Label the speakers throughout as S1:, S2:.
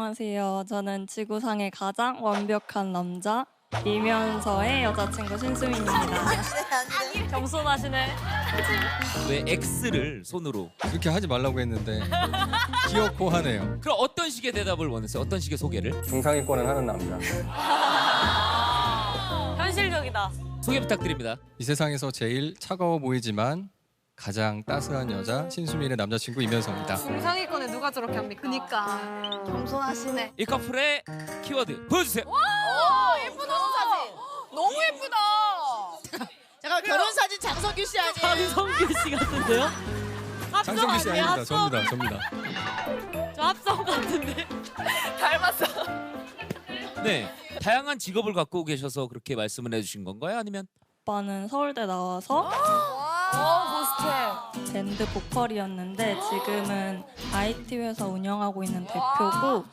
S1: 안녕하세요. 저는 지구상의 가장 완벽한 남자 이면서의 여자친구 신수민입니다.
S2: 겸손하시네.
S3: 왜 X를 손으로?
S4: 그렇게 하지 말라고 했는데 귀엽고 하네요.
S3: 그럼 어떤 식의 대답을 원했어요? 어떤 식의 소개를?
S5: 중상위권은 하는 남자.
S2: 현실적이다.
S3: 소개 부탁드립니다.
S4: 이 세상에서 제일 차가워 보이지만 가장 따스한 여자 신수민의 남자친구 이면서입니다.
S2: 중상위권에 누가 저렇게 합니까?
S6: 그니까 겸손하시네.
S3: 이 커플의 키워드 보여주세요.
S6: 예쁘다. 너무 예쁘다. 잠깐 결혼 사진 장성규 씨 아니에요?
S2: 장성규 씨 같은데요? 합성
S4: 장성규 씨
S2: 아니에요?
S4: 아닙니다.
S2: 합성?
S4: 접니다.
S2: 저 합성 같은데.
S6: 닮았어.
S3: 네, 다양한 직업을 갖고 계셔서 그렇게 말씀을 해주신 건가요? 아니면
S1: 오빠는 서울대 나와서
S6: 고스트.
S1: 밴드 보컬이었는데 지금은 IT 회사 운영하고 있는 대표고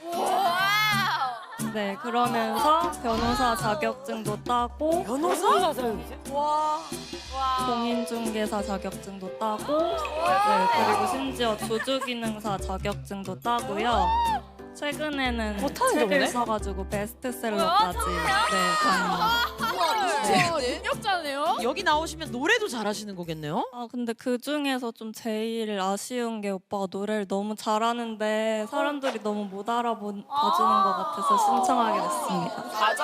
S1: 네 그러면서 변호사 자격증도 따고
S2: 변호사?
S6: 와.
S1: 공인중개사 자격증도 따고 네 그리고 심지어 조주기능사 자격증도 따고요. 최근에는
S2: 못하는데,
S1: 책을
S2: 보네?
S1: 써가지고 베스트셀러까지 네 가는.
S6: 능력자네요.
S2: 여기 나오시면 노래도 잘하시는 거겠네요?
S1: 아 근데 그 중에서 좀 제일 아쉬운 게 오빠가 노래를 너무 잘하는데 사람들이 너무 못 알아봐주는 것 같아서 신청하게 됐습니다.